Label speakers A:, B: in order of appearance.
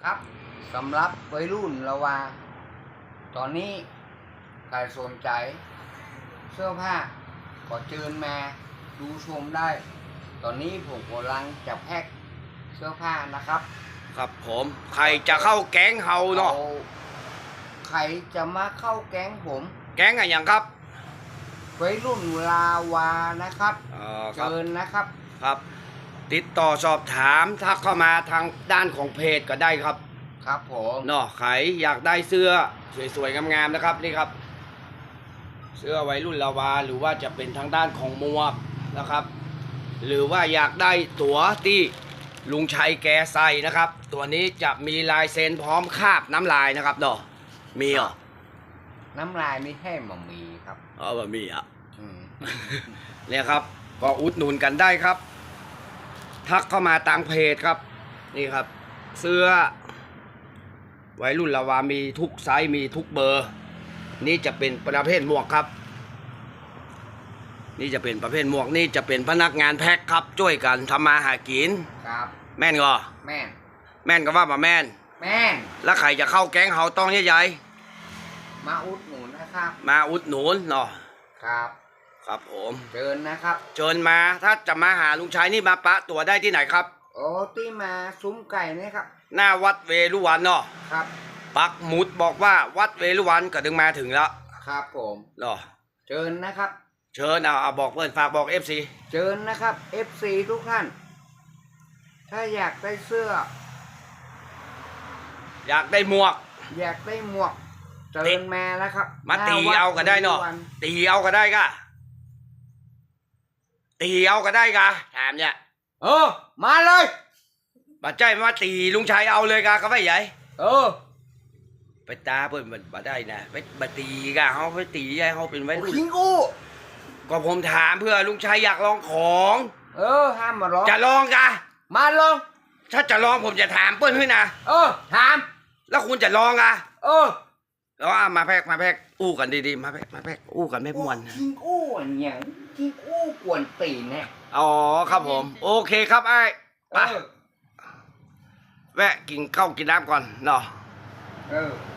A: ครับสำหรับวัยรุ่นละวาตอนนี้ใครสนใจเสื้อผ้าก็เชิญมาดูชมได้ ตอนนี้ผมกำลังจะแพ็คเสื้อผ้านะครับ
B: ครับผมใครจะเข้าแก๊งเฮาเนาะ
A: ใครจะมาเข้าแก๊งผม
B: แก๊งอะไรอย่างครับ
A: วัยรุ่นลาวานะครับเชิญนะครับ
B: ครับติดต่อสอบถามทักเข้ามาทางด้านของเพจก็ได้ครับ
A: ครับผม
B: เนาะใครอยากได้เสื้อสวยๆงามๆนะครับนี่ครับเสื้อวัยรุ่นลาวาหรือว่าจะเป็นทางด้านของหมวกนะครับหรือว่าอยากได้ตั๋วที่ลุงชัยแกใส่นะครับตัวนี้จะมีลายเซ็นพร้อมคาบน้ำลายนะครับเนาะมีเหรอ
A: น้ำลายไม่ใช่หม่มีครับ
B: บะมีอ่ะเนี่ยครับก็อุดหนุนกันได้ครับทักเข้ามาตามเพจครับนี่ครับเสื้อวัยรุ่นลาวามีทุกไซส์มีทุกเบอร์นี่จะเป็นประเภทหมวกครับนี่จะเป็นประเภทหมวกนี่จะเป็นพนักงานแพ็คครับช่วยกันทำมาหากิน
A: ครับ
B: แม่นก็แม่นก็ว่ามาแม่นแล้วใครจะเข้าแก๊งเฮาต้องใหญ่
A: ๆมาอุดหนุนนะครับ
B: มาอุดหนุนเนาะ
A: ครับ
B: ครับผม
A: เชิญนะครับ
B: เชิญมาถ้าจะมาหาลุงชัยนี่มาปะตัวได้ที่ไหนครับ
A: โอ้ที่มาซุ้มไก่นี่ครับ
B: หน้าวัดเวรุวันเนาะ
A: ครับ
B: ปักหมุดบอกว่าวัดเวรุวันก็ถึงมาถึงแล้ว
A: ครับผม
B: เนาะ
A: เชิญนะครับ
B: เชิญเอาบอกเพื่อนฝากบอก FC
A: เชิญนะครับ FC ทุกท่านถ้าอยากได้เสื้อ
B: อยากได้หมวก
A: เชิญมาแล้วครับ
B: มาตีเอาก็ได้เนาะตีเอาก็ได้ก็ตีเอาก็ได้ก็ถามเนี่ย
A: มาเลย
B: มาใจมาตีลุงชัยเอาเลยกะก็ไม่ใหญ่ไปตาเพิ่นมาได้นะไปตีกะเขาไปตีใหญ่เขาเป็นไว้รุ่น
A: คิงอู้
B: ก็ผมถามเพื่อลุงชัยอยากลองของ
A: ห้ามมาลอง
B: จะลองกะ
A: มาลอง
B: ถ้าจะลองผมจะถามเปิ้ลให้นะ
A: ถาม
B: แล้วคุณจะลองอ่ะแล้วมาแพกอู้กันดีๆมาแพกอู้กันไม่ม่วน
A: คิงอู้อย่างคิงอู้กวนตีนเนี่ย
B: อ๋อครับผมโอเคครับไอ้ไปแวะกินข้าวกินน้ำก่อนเนาะ